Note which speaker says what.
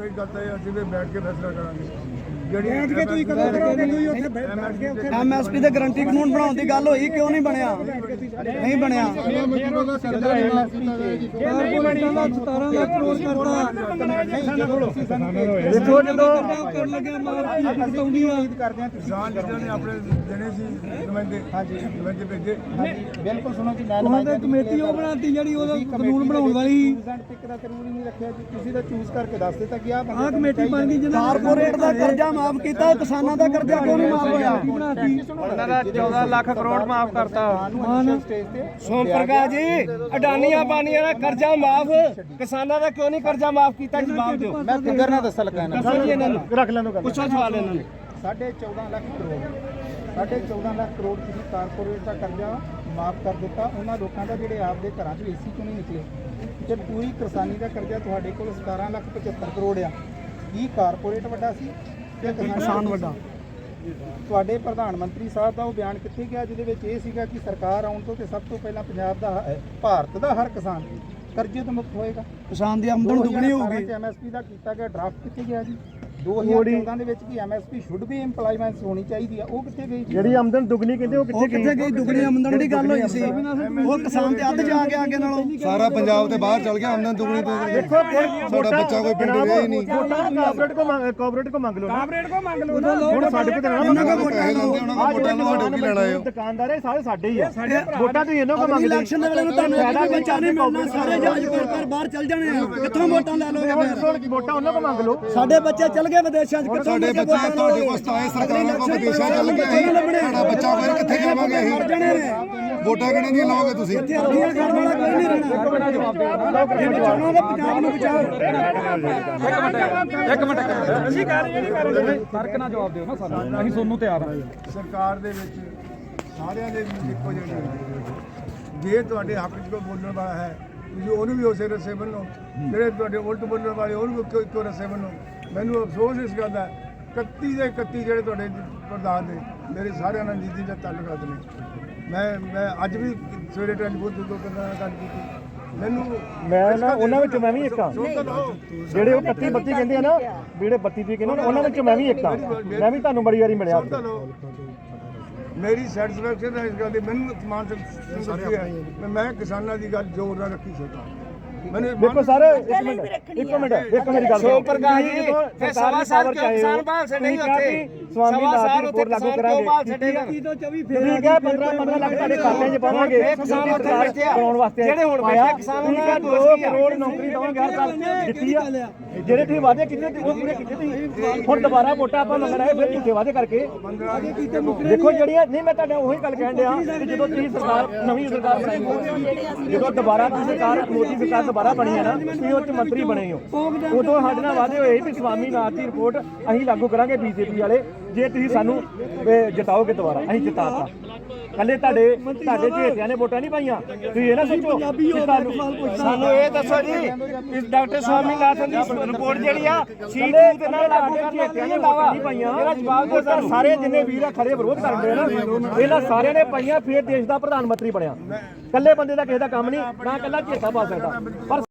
Speaker 1: ਇਹ ਗੱਲ ਤਾਂ ਇਹ ਅਸੀਂ ਵੀ ਬੈਠ ਕੇ ਫੈਸਲਾ ਕਰਾਂਗੇ।
Speaker 2: ਬੈਠ ਕੇ ਤੁਸੀਂ ਕਦੋਂ ਕਰੋਗੇ? ਤੁਸੀਂ ਉੱਥੇ ਬੈਠ ਕੇ ਉੱਥੇ
Speaker 3: ਐਮਐਸਪੀ ਦੇ ਗਰੰਟੀ ਕਾਨੂੰਨ ਬਣਾਉਣ ਦੀ ਗੱਲ ਹੋਈ, ਕਿਉਂ ਨਹੀਂ ਬਣਿਆ? ਨਹੀਂ ਬਣਿਆ।
Speaker 2: ਦੇਖੋ ਜਦੋਂ ਕਰਨ ਲੱਗਿਆ ਕਰਦੇ ਆ
Speaker 1: ਕਿਸਾਨ ਲੀਡਰਾਂ ਨੇ ਆਪਣੇ ਦੇਣੇ ਸੀ ਨੁਮਾਇੰਦੇ, ਨੁਮਾਇੰਦੇ ਭੇਜੇ।
Speaker 2: ਬਿਲਕੁਲ ਸੁਣੋ ਜੀ, ਮੈਂ ਉਹਨਾਂ ਕਮੇਟੀ ਉਹ ਬਣਾਤੀ ਜਿਹੜੀ ਉਹਦਾ ਕਾਨੂੰਨ ਬਣਾਉਣ ਵਾਲੀ ਇੱਕ ਦਾ ਕਾਨੂੰਨ ਹੀ ਨਹੀਂ ਰੱਖਿਆ ਜੀ। ਤੁਸੀਂ ਤਾਂ ਚੂਜ਼ ਕਰਕੇ ਦੱਸ ਦਿੱਤਾ ਕਿ ਆਹ ਕਮੇਟੀ ਬਣ ਗਈ।
Speaker 3: ਕਾਰਪੋਰੇਟ ਦਾ ਕਰਜ਼ਾ ਮਾਫ ਕੀਤਾ, ਕਿਸਾਨਾਂ ਦਾ ਕਰਜ਼ਾ ਕਿਉਂ ਨਹੀਂ ਮਾਫ ਹੋਇਆ?
Speaker 4: ਉਹਨਾਂ ਦਾ 14 ਲੱਖ ਕਰੋੜ ਮਾਫ ਕਰਤਾ।
Speaker 3: ਸੋਮ ਪ੍ਰਕਾਸ਼ ਜੀ, ਅਡਾਨੀਆਂ ਬਾਨੀਆਂ ਦਾ ਕਰਜ਼ਾ ਮਾਫ, ਕਿਸਾਨਾਂ ਦਾ ਕਿਉਂ ਨਹੀਂ ਕਰਜ਼ਾ ਮਾਫ ਕੀਤਾ? ਜਵਾਬ ਦਿਓ।
Speaker 2: ਮੈਂ ਫਿਗਰ ਨਾ ਦੱਸ ਲੱਗਾ
Speaker 3: ਦੱਸੋ ਜੀ ਇਹਨਾਂ ਨੂੰ,
Speaker 2: ਰੱਖ ਲੈਣੋ ਗੱਲ।
Speaker 3: ਪੁੱਛੋ ਸਵਾਲ ਇਹਨਾਂ ਨੂੰ।
Speaker 2: 14.5 ਲੱਖ ਕਰੋੜ 14.5 ਲੱਖ ਕਰੋੜ ਤੁਸੀਂ ਕਾਰਪੋਰੇਟ ਦਾ ਕਰਜ਼ਾ ਮਾਫ ਕਰ ਦਿੱਤਾ। ਉਹਨਾਂ ਲੋਕਾਂ ਦਾ ਜਿਹੜੇ ਆਪਦੇ ਘਰਾਂ 'ਚ ਏਸੀ ਕਿਉਂ ਨਹੀਂ ਨਿਕਲੇ? ਤੇ ਪੂਰੀ ਕਿਸਾਨੀ ਦਾ ਕਰਜ਼ਾ ਤੁਹਾਡੇ ਕੋਲ 17,75 ਕਰੋੜ ਆ। ਕੀ ਕਾਰਪੋਰੇਟ ਵੱਡਾ ਸੀ ਤੇ ਕਿਸਾਨ ਵੱਡਾ? ਤੁਹਾਡੇ ਪ੍ਰਧਾਨ ਮੰਤਰੀ ਸਾਹਿਬ ਦਾ ਉਹ ਬਿਆਨ ਕਿੱਥੇ ਗਿਆ ਜਿਹਦੇ ਵਿੱਚ ਇਹ ਸੀਗਾ ਕਿ ਸਰਕਾਰ ਆਉਣ ਤੋਂ ਤੇ ਸਭ ਤੋਂ ਪਹਿਲਾਂ ਪੰਜਾਬ ਦਾ, ਭਾਰਤ ਦਾ ਹਰ ਕਿਸਾਨ ਕਰਜ਼ੇ ਤੋਂ ਮੁਕਤ ਹੋਏਗਾ,
Speaker 3: ਕਿਸਾਨ ਦੀ ਆਮਦਨ ਦੁੱਗਣੀ ਹੋਊਗੀ।
Speaker 2: ਐਮਐਸਪੀ ਦਾ ਕੀਤਾ ਗਿਆ ਡਰਾਫਟ ਕਿੱਥੇ ਗਿਆ ਜੀ? 2014 ਦੇ ਵਿੱਚ ਕੀ ਐਮਐਸਪੀ ਸ਼ੁੱਡ ਵੀ ਇੰਪਲਾਈਮੈਂਟ ਹੋਣੀ ਚਾਹੀਦੀ ਆ, ਉਹ ਕਿੱਥੇ ਗਈ?
Speaker 4: ਜਿਹੜੀ ਆਮਦਨ ਦੁੱਗਣੀ ਕਹਿੰਦੇ ਉਹ
Speaker 3: ਕਿੱਥੇ ਗਈ? ਦੁੱਗਣੀ ਆਮਦਨ ਦੀ ਗੱਲ ਹੋਈ ਸੀ, ਉਹ ਕਿਸਾਨ ਤੇ ਅੱਧ ਜਾ ਕੇ ਅੱਗੇ ਨਾਲੋਂ।
Speaker 5: ਸਾਰਾ ਪੰਜਾਬ ਤੇ ਬਾਹਰ ਚਲ ਗਿਆ, ਆਮਦਨ ਦੁਗਣੀ ਤੋਂ
Speaker 4: ਦੇਖੋ
Speaker 5: ਸਾਡਾ ਬੱਚਾ ਕੋਈ ਪਿੰਡ ਗਿਆ ਹੀ ਨਹੀਂ।
Speaker 4: ਕਾਰਪੋਰੇਟ ਕੋ ਮੰਗ ਲਓ,
Speaker 2: ਕਾਰਪੋਰੇਟ ਕੋ ਮੰਗ ਲਓ।
Speaker 4: ਹੁਣ ਸਾਡੇ ਕੋਲ
Speaker 5: ਉਹਨਾਂ ਕੋਲ ਪੈਸੇ ਲੈਂਦੇ, ਉਹਨਾਂ ਕੋਲ ਵੋਟਾਂ ਲਵਾ ਕੇ ਕੀ ਲੈਣਾ ਹੈ?
Speaker 4: ਦੁਕਾਨਦਾਰ ਸਾਰੇ ਸਾਡੇ ਹੀ ਆ। ਵੋਟਾਂ ਤੁਸੀਂ ਇਹਨਾਂ ਕੋ ਮੰਗਦੇ।
Speaker 3: ਇਲੈਕਸ਼ਨ ਦੇ ਵੇਲੇ ਨੂੰ ਤੁਹਾਨੂੰ ਫਾਇਦਾ ਬੱਚਾ ਨਹੀਂ ਮਿਲਣਾ, ਸਾਰੇ ਜਹਾਜ਼ ਕੋਲ ਬਾਹਰ ਚੱਲ ਜਾਣੇ ਆ। ਕਿੱਥੋਂ ਵੋਟਾਂ ਲੈ ਲੋਗੇ ਫਿਰ?
Speaker 4: ਵੋਟਾਂ ਉਹਨਾਂ ਕੋ ਮੰਗ ਲਓ।
Speaker 3: ਸਾਡੇ ਬੱਚੇ ਚੱਲ ਗਏ ਵਿਦੇਸ਼ਾਂ 'ਚ, ਕਿੱਥੋਂ
Speaker 5: ਸਾਡੇ ਬੱਚੇ ਤੁਹਾਡੇ ਕੋਲ ਆਏ, ਸਰਕਾਰਾਂ ਕੋਲ ਵਿਦੇਸ਼ਾਂ ਚੱਲ ਗਏ, ਸਾਡਾ ਬੱਚਾ ਫਿਰ ਕਿੱਥੇ ਜਾਵਾਂਗੇ ਅਸੀਂ? ਵੋਟਾਂ ਕਿਹਨੇ ਦੀਆਂ ਲਾਓਗੇ ਤੁਸੀਂ?
Speaker 3: ਅੱਧੀਆਂ ਕਰਨ ਵਾਲਾ ਕੋਈ ਨਹੀਂ ਰਹਿਣਾ। ਚੋਣਾਂ ਦੇ ਪੰਜਾਬ ਨੂੰ ਬਚਾਓ।
Speaker 4: ਇੱਕ ਮਿੰਟ ਅਸੀਂ ਕਰ ਰਹੇ ਨਹੀਂ ਫਰਕ ਨਾਲ ਜਵਾਬ ਦਿਓ ਨਾ ਸਾਨੂੰ, ਅਸੀਂ ਸੁਣਨ ਨੂੰ ਤਿਆਰ ਹਾਂ।
Speaker 1: ਸਰਕਾਰ ਦੇ ਵਿੱਚ ਸਾਰਿਆਂ ਦੇ ਵੀ ਇੱਕੋ ਜਿਹੇ ਨੇ। ਜੇ ਤੁਹਾਡੇ ਹੱਕ 'ਚ ਕੋਈ ਬੋਲਣ ਵਾਲਾ ਹੈ, ਤੁਸੀਂ ਉਹਨੂੰ ਵੀ ਉਸੇ ਰਸੇ ਬੰਨੋ। ਜਿਹੜੇ ਤੁਹਾਡੇ ਉਲਟ ਬੋਲਣ ਵਾਲੇ ਉਹਨੂੰ ਵੀ ਇੱਕੋ ਰਸੇ ਬੰਨੋ। ਮੈਨੂੰ ਅਫਸੋਸ ਇਸ ਗੱਲ ਦਾ 31 ਦੇ 31 ਜਿਹੜੇ ਤੁਹਾਡੇ ਪ੍ਰਧਾਨ ਨੇ, ਮੇਰੇ ਸਾਰਿਆਂ ਨਾਲ ਨਿੱਜੀ ਦਾ ਤਾਲੁਕਾਤ ਨੇ। ਮੈਂ ਅੱਜ ਵੀ ਸਵੇਰੇ ਟੈਲੀਫੋਨ ਤੋਂ ਗੱਲ ਕੀਤੀ। ਮੈਨੂੰ
Speaker 4: ਮੈਂ ਨਾ ਉਹਨਾਂ ਵਿੱਚ ਮੈਂ ਵੀ ਇੱਕ ਹਾਂ, ਜਿਹੜੇ ਉਹ 31 32 ਕਹਿੰਦੇ ਆ ਨਾ, ਜਿਹੜੇ 32 ਦੀ ਕਹਿੰਦੇ ਉਹਨਾਂ ਵਿੱਚ ਮੈਂ ਵੀ ਇੱਕ ਹਾਂ। ਮੈਂ ਵੀ ਤੁਹਾਨੂੰ ਬੜੀ ਵਾਰੀ ਮਿਲਿਆ।
Speaker 1: ਮੇਰੀ ਸੈਟੀਸਫੈਕਸ਼ਨ ਹੈ ਇਸ ਗੱਲ ਦੀ, ਮੈਨੂੰ ਸਮਾਨ ਸੰਤੁਸ਼ਟੀ ਹੈ। ਮੈਂ ਕਿਸਾਨਾਂ ਦੀ ਗੱਲ ਜ਼ੋਰ ਨਾਲ ਰੱਖੀ ਸਰਕਾਰ।
Speaker 4: ਦੇਖੋ ਸਰ ਇੱਕ ਮਿੰਟ ਦੇਖੋ ਮੇਰੀ ਗੱਲ
Speaker 3: ਸੋਮ ਪ੍ਰਕਾਸ਼ ਜੀ, ਫਿਰ ਸਵਾ ਸਾਲ ਕਿਉਂ ਕਿਸਾਨ ਭਾਲ ਛੱਡੇ ਉੱਥੇ? ਸਵਾ ਸਾਲ ਉੱਥੇ ਕਿਸਾਨ ਕਿਉਂ ਭਾਲ ਛੱਡੇ?
Speaker 4: 15 ਲੱਖ ਤੁਹਾਡੇ ਖਾਤੇ 'ਚ ਪਾਵਾਂਗੇ
Speaker 3: ਕਿਸਾਨ ਉੱਥੇ ਬੈਠੇ ਆ
Speaker 4: ਬਣਾਉਣ ਵਾਸਤੇ।
Speaker 3: ਜਿਹੜੇ ਹੁਣ ਬੈਠੇ ਕਿਸਾਨ ਉਹਨਾਂ ਦਾ
Speaker 4: 2 ਕਰੋੜ ਨੌਕਰੀ ਦਵਾਂਗੇ ਹਰ ਸਾਲ ਦਿੱਤੀ ਆ। ਜਿਹੜੇ ਤੁਸੀਂ ਵਾਅਦੇ ਕੀਤੇ ਉਹ ਪੂਰੇ ਕੀਤੇ ਤੁਸੀਂ। ਹੁਣ ਦੁਬਾਰਾ ਵੋਟਾਂ ਆਪਾਂ ਮੰਗਣਾ ਹੈ, ਫਿਰ ਝੂਠੇ ਵਾਅਦੇ ਕਰਕੇ। ਦੇਖੋ ਜਿਹੜੀਆਂ ਨਹੀਂ, ਮੈਂ ਤੁਹਾਡਾ ਉਹੀ ਗੱਲ ਕਹਿਣ ਡਿਆ ਕਿ ਜਦੋਂ ਤੁਸੀਂ ਸਰਕਾਰ, ਨਵੀਂ ਸਰਕਾਰ ਬਣਾਈ, ਜਦੋਂ ਦੁਬਾਰਾ ਤੁਸੀਂ ਸਰਕਾਰ, ਮੋਦੀ ਸਰਕਾਰ ਦੁਬਾਰਾ ਬਣੀ ਹੈ ਨਾ, ਤੁਸੀਂ ਉਹ 'ਚ ਮੰਤਰੀ ਬਣੇ ਹੋ। ਉਦੋਂ ਸਾਡੇ ਨਾਲ ਵਾਅਦੇ ਹੋਏ ਵੀ ਸਵਾਮੀਨਾਥਨ ਦੀ ਰਿਪੋਰਟ ਅਸੀਂ ਲਾਗੂ ਕਰਾਂਗੇ ਬੀਜੇਪੀ ਵਾਲੇ, ਜੇ ਤੁਸੀਂ ਸਾਨੂੰ ਜਿਤਾਓਗੇ ਦੁਬਾਰਾ। ਅਸੀਂ ਜਿਤਾਤਾ। ਕੱਲੇ ਤੁਹਾਡੇ ਝੇਟਿਆਂ ਨੇ ਵੋਟਾਂ ਨਹੀਂ ਪਾਈਆਂ। ਤੁਸੀਂ ਇਹ ਨਾ ਸੋਚੋ
Speaker 3: ਸਾਨੂੰ ਇਹ ਦੱਸੋ ਜੀ, ਇਸ ਡਾਕਟਰ ਸਵਾਮੀਨਾਥਨ ਦੀ ਰਿਪੋਰਟ ਜਿਹੜੀ ਆ ਸੀਟ ਦੇ ਨਾਲ ਲਾਗੂ ਕਰਨਾ ਨਹੀਂ ਲਾਵਾ
Speaker 4: ਪਾਈਆਂ।
Speaker 3: ਇਹਦਾ ਜਵਾਬ ਦਿਓ ਸਾਨੂੰ।
Speaker 4: ਸਾਰੇ ਜਿੰਨੇ ਵੀਰ ਆ ਖੜੇ ਵਿਰੋਧ ਕਰਦੇ ਆ ਨਾ, ਇਹਨਾਂ ਸਾਰਿਆਂ ਨੇ ਪਾਈਆਂ, ਫਿਰ ਦੇਸ਼ ਦਾ ਪ੍ਰਧਾਨ ਮੰਤਰੀ ਬਣਿਆ। ਕੱਲੇ ਬੰਦੇ ਦਾ ਕਿਸੇ ਦਾ ਕੰਮ ਨਹੀਂ, ਨਾ ਕੱਲਾ ਝੇਟਾ ਪਾ ਸਕਦਾ। ਪਰ